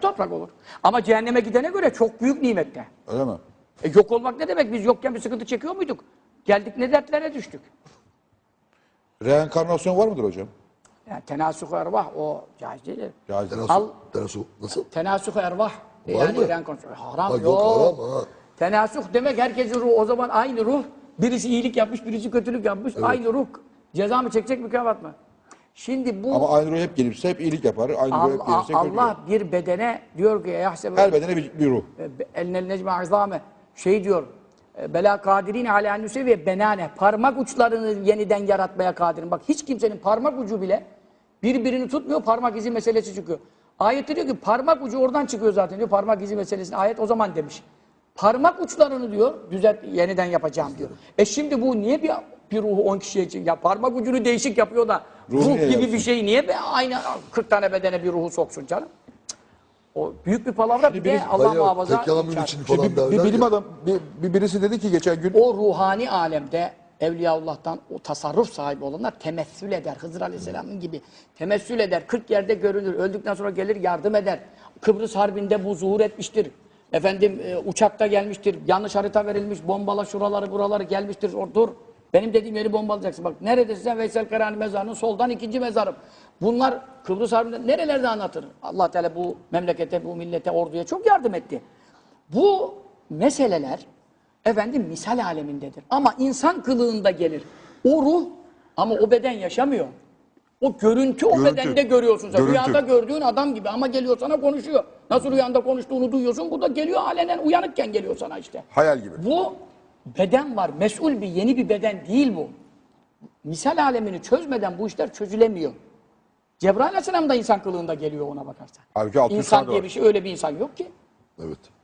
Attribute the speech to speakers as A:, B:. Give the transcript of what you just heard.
A: toprak olur. Ama cehenneme gidene göre çok büyük nimette.
B: Öyle mi?
A: Yok olmak ne demek? Biz yokken bir sıkıntı çekiyor muyduk? Geldik ne dertlere düştük.
B: Reenkarnasyon var mıdır hocam?
A: Yani tenasuk-u ervah o caiz değil.
B: Caiz.
C: Nasıl?
A: Tenasuk-u ervah.
C: Var mı?
A: Haram
C: Ha,
A: yok.
C: yok haram ha.
A: Tenasuk demek herkesin ruhu. O zaman aynı ruh. Birisi iyilik yapmış, birisi kötülük yapmış. Evet. Aynı ruh. Ceza mı çekecek, mükafat mı? Şimdi bu...
B: Ama aynı ruh hep gelirse hep iyilik yapar. Aynı ruh hep gelirse
A: Allah bir bedene diyor ki yahsebe...
B: Her bedene bir ruh.
A: Elnel necme azame. Şey diyor. Bela kadirine ala nüse ve benane. Parmak uçlarını yeniden yaratmaya kadirin. Bak hiç kimsenin parmak ucu bile birbirini tutmuyor. Parmak izi meselesi çıkıyor. Ayette diyor ki parmak ucu oradan çıkıyor zaten diyor. Parmak izi meselesini ayet o zaman demiş. Parmak uçlarını diyor yeniden yapacağım diyor. Şimdi bu niye bir ruhu 10 kişiye için ya parmak ucunu değişik yapıyor da ruh gibi bir şey niye aynı 40 tane bedene bir ruhu soksun canım? O büyük bir palavra bir de Allah muhafaza.
C: Tek yalan için falan derler
B: Bir bilim
C: ya.
B: adam birisi dedi ki geçen gün
A: O ruhani alemde Evliyaullah'tan o tasarruf sahibi olanlar temessül eder. Hızır Aleyhisselam'ın gibi temessül eder. 40 yerde görünür. Öldükten sonra gelir yardım eder. Kıbrıs Harbi'nde bu zuhur etmiştir. Efendim uçakta gelmiştir. Yanlış harita verilmiş. Bombala şuraları buraları gelmiştir. Dur. Benim dediğim yeri bombalayacaksın. Bak neredesin sen? Veysel Karani mezarının soldan ikinci mezarım. Bunlar Kıbrıs Harbi'nde nerelerde anlatır? Allah Teala bu memlekete, bu millete, orduya çok yardım etti. Bu meseleler efendim misal alemindedir. Ama insan kılığında gelir. O ruh ama o beden yaşamıyor. O görüntü o bedende görüyorsun sen. Rüyada gördüğün adam gibi ama geliyor sana konuşuyor. Nasıl rüyanda konuştuğunu duyuyorsun. Bu da geliyor alenen uyanıkken geliyor sana işte.
B: hayal gibi.
A: Bu beden var. Mesul bir yeni bir beden değil bu. Misal alemini çözmeden bu işler çözülemiyor. Cebrail Aleyhisselam da insan kılığında geliyor ona bakarsan.
B: Halbuki 600
A: İnsan
B: tane
A: diye
B: var.
A: bir şey öyle bir insan yok ki.
C: Evet.